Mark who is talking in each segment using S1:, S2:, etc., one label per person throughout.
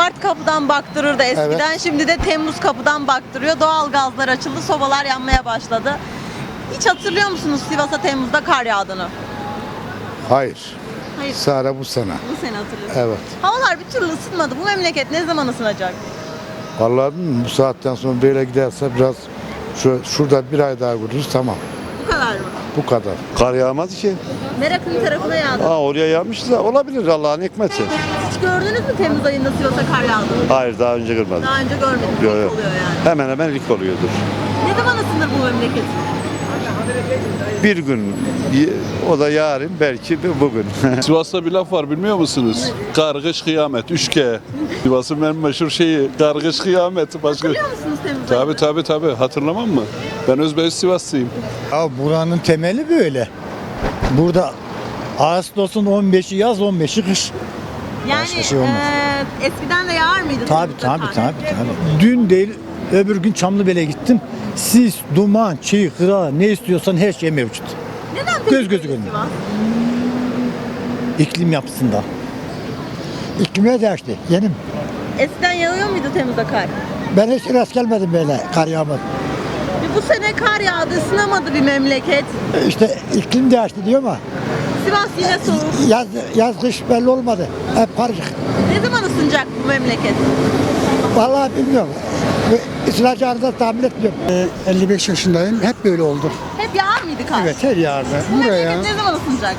S1: Mart kapıdan baktırırdı eskiden.
S2: Evet.
S1: Şimdi de Temmuz kapıdan baktırıyor. Doğal gazlar açıldı, sobalar yanmaya başladı. Hiç hatırlıyor musunuz Sivas'a Temmuz'da kar yağdığını?
S2: Hayır.
S1: Hayır.
S2: Sadece bu sene.
S1: Bu sene hatırlıyorsunuz.
S2: Evet.
S1: Havalar bir türlü ısınmadı. Bu memleket ne zaman ısınacak?
S2: Vallahi bilmiyorum, bu saatten sonra böyle giderse biraz şurada bir ay daha görürüz, tamam.
S1: Bu kadar mı?
S2: Bu kadar.
S3: Kar yağmaz ki.
S1: Merak'ın tarafına yağdı.
S3: Oraya yağmış da olabilir, Allah'ın hikmeti.
S1: Hiç gördünüz mü Temmuz ayında Sivas'a kar yağdığını?
S3: Hayır, daha önce görmedim.
S1: Daha önce görmedim.
S3: Yok,
S1: Nasıl
S3: yok.
S1: oluyor yani?
S3: Hemen hemen ilk oluyordur.
S1: Ne zaman ısınır bu memleket?
S3: Bir gün, o da yarın, belki bugün.
S4: Sivas'ta bir laf var bilmiyor musunuz? Kargış kıyamet, 3G. Sivas'ın en meşhur şeyi, kargış kıyamet. Başka...
S1: Hatırlıyor musunuz Temmuz ayında?
S4: Tabii. Hatırlamam mı? Ben Özbeş Sivaslıyım.
S5: Ya buranın temeli böyle. Burada Ağustos'un 15'i yaz, 15'i kış.
S1: Yani
S5: Başka şey olmaz.
S1: Eskiden de yağar mıydı?
S5: Tabii
S1: Temmuz'da kar?
S5: Dün değil, öbür gün Çamlıbel'e gittim. Sis, duman, çiğ, kıra, ne istiyorsan her şey mevcut.
S1: Neden peki
S5: Göz gözü
S1: böyle
S5: görmüyor.
S1: Sivas?
S5: İklim yapısında.
S6: İklime değişti. Yenim.
S1: Eskiden yağıyor muydu Temmuz'da kar?
S6: Ben hiç rast gelmedim böyle kar yağmur.
S1: Bu sene kar yağdı, ısınamadı bir memleket.
S6: İşte iklim değişti diyor ama
S1: Sivas yine soğuk.
S6: yaz kış belli olmadı. Hep karışık.
S1: Ne zaman ısınacak bu memleket?
S6: Vallahi bilmiyorum. Isınacağını da tahmin etmiyorum. 55 yaşındayım. Hep böyle oldu.
S1: Hep yağar mıydı kar?
S6: Evet, her yerde.
S1: Bu
S6: Buraya
S1: memleket ne zaman ısınacak?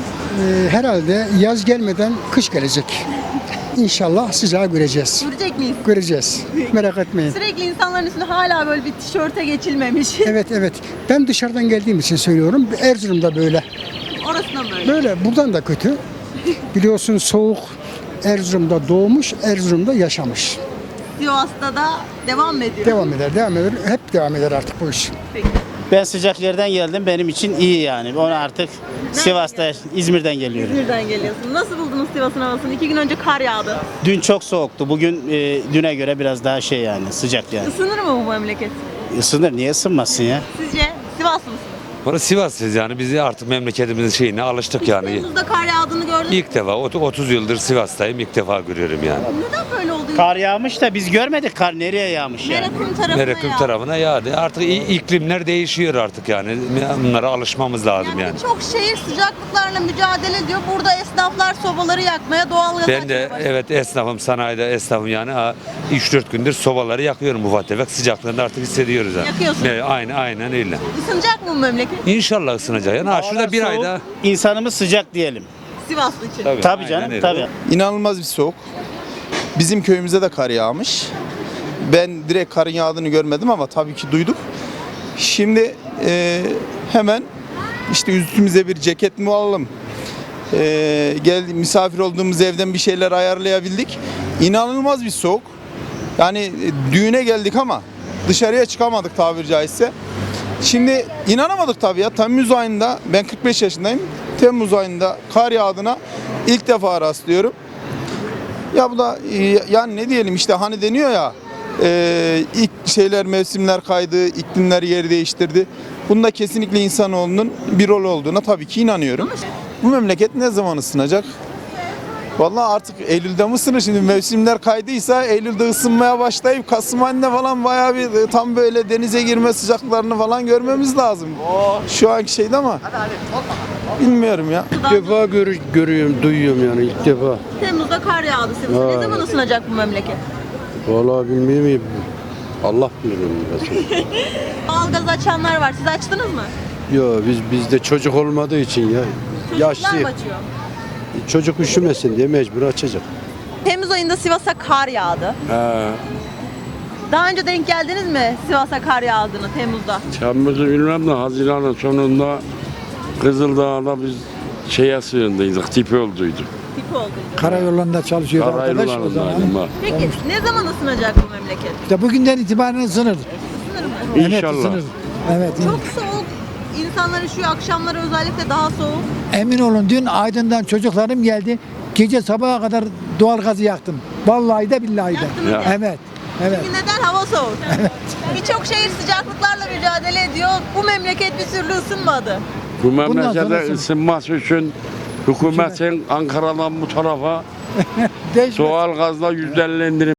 S6: herhalde yaz gelmeden kış gelecek. İnşallah sıcağı göreceğiz.
S1: Görecek miyiz?
S6: Göreceğiz. Merak etmeyin.
S1: Sürekli insanların üstünde hala böyle bir tişörte geçilmemiş.
S6: Evet. Ben dışarıdan geldiğim için söylüyorum. Erzurum'da böyle.
S1: Orasına böyle.
S6: Böyle buradan da kötü. Biliyorsun soğuk Erzurum'da doğmuş, Erzurum'da yaşamış.
S1: Sivas'ta da devam mı ediyor?
S6: Devam eder. Hep devam eder artık bu iş.
S1: Peki.
S7: Ben sıcak yerden geldim. Benim için iyi yani. Onu artık Sivas'ta, İzmir'den geliyorum.
S1: İzmir'den geliyorsun. Nasıl buldunuz Sivas'ın havasını? 2 gün önce kar yağdı.
S7: Dün çok soğuktu. Bugün düne göre biraz daha şey yani sıcak yani.
S1: Isınır mı bu memleket?
S7: Isınır. Niye ısınmasın ya?
S1: Sizce Sivaslı mısınız?
S8: Burası Sivas'ız yani biz artık memleketimizin şeyine alıştık yani.
S1: Temmuz'da kar yağdığını gördünüz mü?
S8: İlk defa 30 yıldır Sivas'tayım, ilk defa görüyorum yani.
S1: Neden böyle oldu?
S7: Kar yağmış da biz görmedik kar nereye yağmış yani.
S1: Merak'ın tarafına
S8: Merakım
S1: yağdı.
S8: tarafına yağdı. Artık iklimler değişiyor artık yani. Bunlara alışmamız lazım yani.
S1: Birçok şehir sıcaklıklarla mücadele ediyor. Burada esnaflar sobaları yakmaya, doğalgaz
S8: Ben de
S1: açmaya başladı.
S8: evet esnafım, sanayide esnafım yani 3-4 gündür sobaları yakıyorum ufak tefek. Sıcaklığını artık hissediyoruz yani.
S1: Yakıyorsun.
S8: Evet, aynen öyle.
S1: Isınacak mı bu memleket?
S8: İnşallah ısınacak. Yani şurada bir
S7: Soğuk,
S8: ayda.
S7: İnsanımız sıcak diyelim.
S1: Sivaslı için.
S7: Tabii
S8: aynen
S7: canım
S8: öyle.
S7: tabii.
S9: İnanılmaz bir soğuk. Bizim köyümüzde de kar yağmış. Ben direkt karın yağdığını görmedim ama tabii ki duyduk. Şimdi hemen işte üstümüze bir ceket mi alalım? Geldi misafir olduğumuz evden bir şeyler ayarlayabildik. İnanılmaz bir soğuk. Yani düğüne geldik ama dışarıya çıkamadık tabiri caizse. Şimdi inanamadık tabii ya. Temmuz ayında, ben 45 yaşındayım. Temmuz ayında kar yağdığına ilk defa rastlıyorum. Ya bu da yani ne diyelim işte hani deniyor ya ilk mevsimler kaydı, iklimler yer değiştirdi. Bunda kesinlikle insanoğlunun bir rol olduğuna tabii ki inanıyorum. Bu memleket ne zaman ısınacak? Vallahi artık Eylül'de mi ısınır? Şimdi mevsimler kaydıysa Eylül'de ısınmaya başlayıp Kasım ayında falan bayağı bir tam böyle denize girme sıcaklarını falan görmemiz lazım. Şu anki şeyde ama bilmiyorum ya.
S1: İlk
S10: defa görüyorum, duyuyorum yani ilk defa.
S1: Temmuz'da kar yağdı Sivas'ta. Ne zaman ısınacak bu memleket?
S10: Vallahi bilmiyorum. Allah bilir.
S1: Doğalgaz açanlar var. Siz açtınız mı?
S10: Yo bizde çocuk olmadığı için ya.
S1: Çocuklar
S10: Yaşlı.
S1: mı açıyor?
S10: Çocuk üşümesin diye mecbur açacak.
S1: Temmuz ayında Sivas'a kar yağdı. Daha önce denk geldiniz mi Sivas'a kar yağdığını Temmuz'da?
S11: Temmuz'u bilmem de Haziran'ın sonunda Kızıldağ'da biz şeye sığındıydık, tipi olduyduk.
S1: Tip oldu.
S6: Karayollarında çalışıyor arkadaş o zaman.
S1: Peki ne zaman ısınacak bu memleket?
S6: İşte bugünden itibaren ısınır.
S1: Isınır mı?
S6: Evet,
S11: İnşallah.
S6: ısınır. Evet.
S1: Çok soğuk. İnsanlar üşüyor. Akşamları özellikle daha soğuk.
S6: Emin olun dün Aydın'dan çocuklarım geldi. Gece sabaha kadar doğalgazı yaktım. Vallahi de billahi de.
S1: Yaktınız ya.
S6: Evet. Evet.
S1: Çünkü neden? Hava soğuk. Birçok şehir sıcaklıklarla mücadele ediyor. Bu memleket bir türlü ısınmadı.
S11: Bu
S6: sonra
S11: memlekete
S6: ısın.
S11: ısınması için hükümetin Ankara'dan bu tarafa
S6: Değişmez.
S11: Doğal gazla %50 indirim